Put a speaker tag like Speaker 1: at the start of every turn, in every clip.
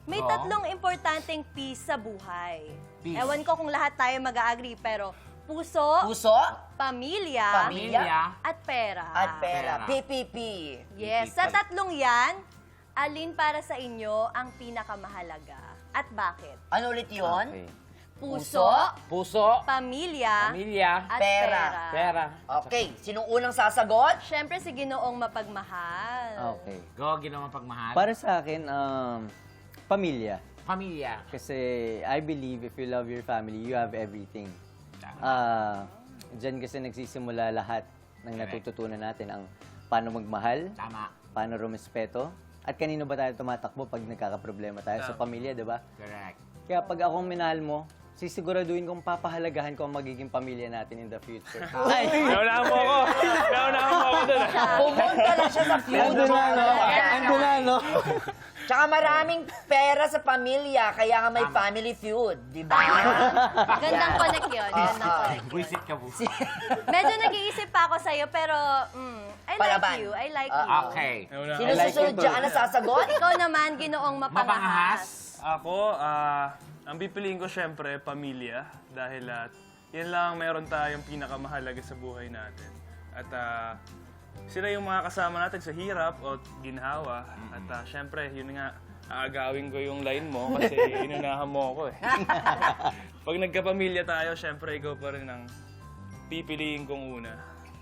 Speaker 1: May tatlong importanteng P sa buhay.
Speaker 2: Peace.
Speaker 1: Ewan ko kung lahat tayo mag-agree, pero puso, pamilya, at pera.
Speaker 3: At pera. PPP.
Speaker 1: Yes, sa tatlong yan, alin para sa inyo ang pinakamahalaga? At bakit?
Speaker 3: Ano ulit yun?
Speaker 2: Okay.
Speaker 1: Puso, pamilya, at
Speaker 3: Pera.
Speaker 1: pera.
Speaker 3: Okay, sinong unang sasagot?
Speaker 1: Siyempre si Ginoong mapagmahal.
Speaker 4: Okay.
Speaker 2: Go, ginawa pagmahal.
Speaker 4: Para sa akin, pamilya.
Speaker 2: Pamilya.
Speaker 4: Kasi I believe if you love your family, you have everything. Diyan kasi nagsisimula lahat ng natututunan natin ang paano magmahal,
Speaker 2: Tama.
Speaker 4: paano rumespeto, at kanino ba tayo tumatakbo pag nagkakaproblema tayo sa pamilya, di ba?
Speaker 2: Correct.
Speaker 4: Kaya pag akong minahal mo, sisiguraduhin kong papahalagahan ko ang magiging pamilya natin in the future.
Speaker 5: Naunahan mo ako. Naunahan mo ako doon.
Speaker 3: Pumunta lang siya sa future.
Speaker 4: Ando na, no?
Speaker 3: Tsaka maraming pera sa pamilya, kaya nga may family feud, di ba?
Speaker 1: Gandang connect yun. Gandang connect yun.
Speaker 2: Buisit ka, buisit.
Speaker 1: Medyo nag-iisip pa ako sa'yo, pero I
Speaker 3: Palaban.
Speaker 1: like you. I like you.
Speaker 2: Okay.
Speaker 3: Sino susunod dyan na sasagot?
Speaker 1: Ikaw naman, Ginoong mapangahas.
Speaker 5: Ako, ang pipiliin ko syempre, pamilya. Dahil yan lang meron tayong pinakamahalaga sa buhay natin. At sila yung mga kasama natin sa hirap o ginhawa. At syempre, yun nga, aagawin ko yung line mo kasi inunahan mo ako eh. Pag nagkapamilya tayo, syempre, ikaw pa rin ang pipiliin kong una.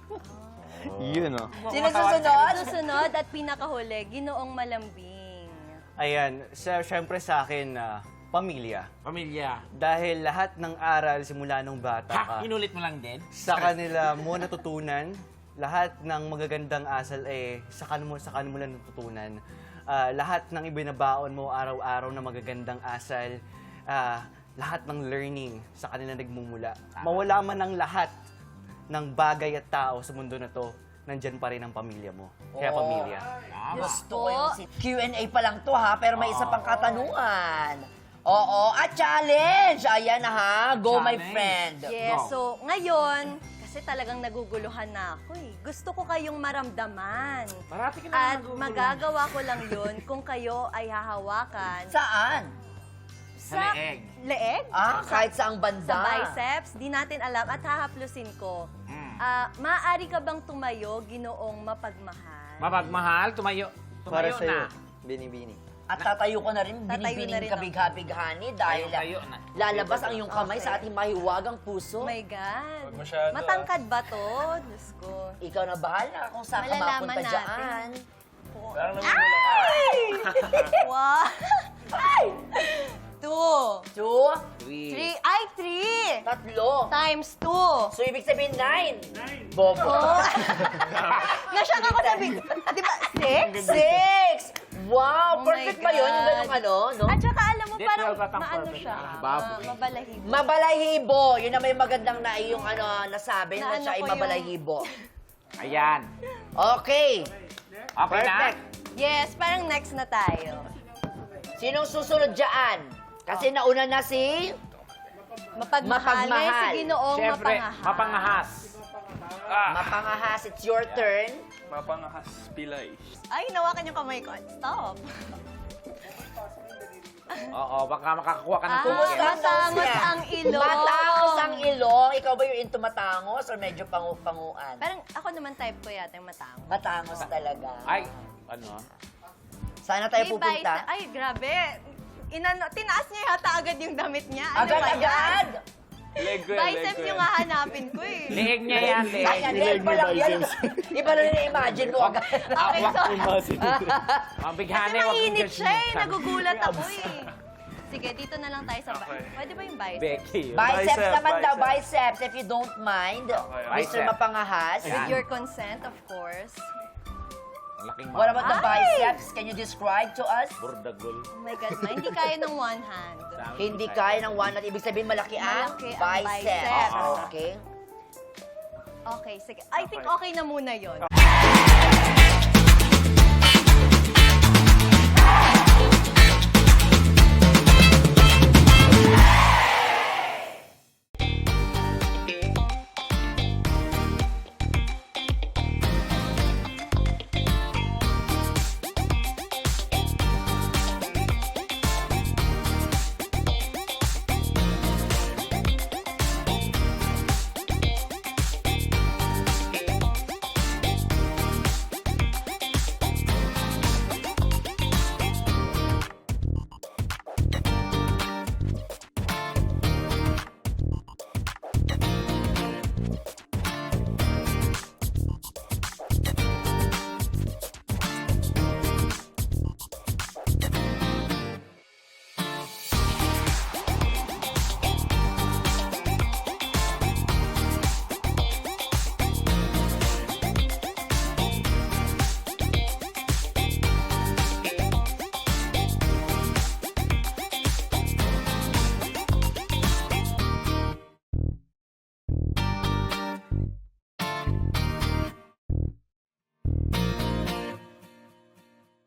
Speaker 4: Yun, no?
Speaker 3: Sino susunod?
Speaker 1: Susunod at pinakahuli, Ginoong malambing.
Speaker 6: Ayan, syempre sa akin, pamilya.
Speaker 2: Pamilya.
Speaker 6: Dahil lahat ng aral simula nung bata ka,
Speaker 2: Ha? Inulit mo lang din?
Speaker 6: sa kanila mo natutunan. Lahat ng magagandang asal sa kanila mo lang natutunan. Lahat ng ibinabaon mo araw-araw na magagandang asal, lahat ng learning sa kanila nagmumula. Mawala man ang lahat ng bagay at tao sa mundo na to, nandyan pa rin ang pamilya mo. Kaya pamilya.
Speaker 3: Gusto ko yung Q&A pa lang to ha, pero may isa pang katanungan. Oo, at challenge! Ayan na ha, go my
Speaker 2: Challenge.
Speaker 3: friend.
Speaker 1: Yes, so ngayon, kasi talagang naguguluhan na ako eh. Gusto ko kayong maramdaman.
Speaker 2: Parati ka na
Speaker 1: At
Speaker 2: naguguluhan.
Speaker 1: magagawa ko lang yun kung kayo ay hahawakan
Speaker 3: Saan?
Speaker 2: Sa leeg.
Speaker 1: Leeg?
Speaker 3: Kahit saang banda.
Speaker 1: Sa biceps, di natin alam at hahaplusin ko. Maaari ka bang tumayo, Ginoong mapagmahal?
Speaker 2: Mapagmahal, tumayo
Speaker 4: Para
Speaker 2: na.
Speaker 4: sa'yo, bini-bini.
Speaker 3: At tatayo ko na rin,
Speaker 1: Tatayo na
Speaker 3: binibining
Speaker 1: rin
Speaker 3: kabighani dahil
Speaker 2: Tayo na.
Speaker 3: lalabas ang iyong kamay sa ating mahiwagang
Speaker 1: Oh
Speaker 3: puso.
Speaker 1: my God.
Speaker 5: masyado,
Speaker 1: Matangkad ba to? Diyos ko.
Speaker 3: Ikaw na bahala kung saan ka
Speaker 1: Malalaman
Speaker 3: mapunta
Speaker 1: natin.
Speaker 3: dyan.
Speaker 5: Parang namumula ka.
Speaker 1: One. Two.
Speaker 3: 2,
Speaker 1: Three. Ay, three.
Speaker 3: 3,
Speaker 1: Times two.
Speaker 3: so ibig sabihin 9. Bobo.
Speaker 1: Oh. Nasyak ako sabi. Di ba? Six?
Speaker 3: 6! Wow,
Speaker 1: Oh
Speaker 3: perfect
Speaker 1: my
Speaker 3: ba yun? Yung
Speaker 1: God.
Speaker 3: ganung ano, no?
Speaker 1: At saka alam mo,
Speaker 2: Di,
Speaker 1: parang
Speaker 2: 12 at ang
Speaker 1: maano
Speaker 2: perfect.
Speaker 1: siya.
Speaker 2: Baboy.
Speaker 1: Mabalahibo.
Speaker 3: Mabalahibo. Yun na may magandang na yung ano, nasabi
Speaker 1: Na
Speaker 3: na
Speaker 1: ano
Speaker 3: siya ay
Speaker 1: ko yung-
Speaker 3: mabalahibo.
Speaker 2: Ayan.
Speaker 3: Okay.
Speaker 2: Okay na?
Speaker 3: Perfect.
Speaker 1: Yes, parang next na tayo.
Speaker 3: Sinong susunod dyan? Kasi nauna na si...
Speaker 1: Mapagmahal. Ngayon si Ginoong
Speaker 2: Siyempre,
Speaker 1: mapangahas.
Speaker 2: mapangahas.
Speaker 3: Mapangahas, it's your turn.
Speaker 5: Mapangahas pilay.
Speaker 1: Ay, nawakan yung kamay ko. Stop.
Speaker 2: Oo, baka makakuha ka ng
Speaker 3: Kumusta
Speaker 2: ticket.
Speaker 3: ang nose
Speaker 1: matangos
Speaker 3: niya?
Speaker 1: ang ilong.
Speaker 3: Matangos ang ilong. Ikaw ba yung into matangos or medyo panguan?
Speaker 1: Parang ako naman type ko yata yung matangos.
Speaker 3: Matangos talaga.
Speaker 2: Ay, ano?
Speaker 3: Sana tayo
Speaker 1: May
Speaker 3: pupunta.
Speaker 1: bicep- Ay, grabe. Tinaas niya yata agad yung damit niya. Ano ba yan?
Speaker 3: Agad-agad!
Speaker 5: Leg ko yan, leg
Speaker 1: Bicep
Speaker 5: ko
Speaker 1: yung
Speaker 5: yan.
Speaker 1: hahanapin ko eh.
Speaker 2: Leeg niya yan,
Speaker 3: Ay,
Speaker 2: leeg.
Speaker 3: yan pa lang yan. Iba na rin na-imagine mo agad.
Speaker 1: Okay, sorry.
Speaker 2: Ang
Speaker 1: Kasi
Speaker 2: bighani, wag
Speaker 1: mainit
Speaker 2: mong
Speaker 1: siya eh.
Speaker 2: judgmental.
Speaker 1: Nagugulat ako eh. Sige, dito na lang tayo sa
Speaker 5: Okay.
Speaker 1: Pwede ba yung bicep?
Speaker 2: Becky.
Speaker 3: Biceps
Speaker 5: Bicep,
Speaker 3: naman daw,
Speaker 5: bicep.
Speaker 3: biceps, if you don't mind. Mr.
Speaker 2: Bicep.
Speaker 3: Mapangahas.
Speaker 1: With your consent, of course.
Speaker 2: Ang laking
Speaker 3: What about the
Speaker 1: Ay!
Speaker 3: biceps? Can you describe to us?
Speaker 2: Burdagol.
Speaker 1: Oh my God, ma. Hindi kaya ng one hand.
Speaker 3: Hindi kaya ng one at ibig sabihin malaki ang
Speaker 1: Malaki ang biceps.
Speaker 3: Okay.
Speaker 1: Okay, sige. I think okay na muna yon.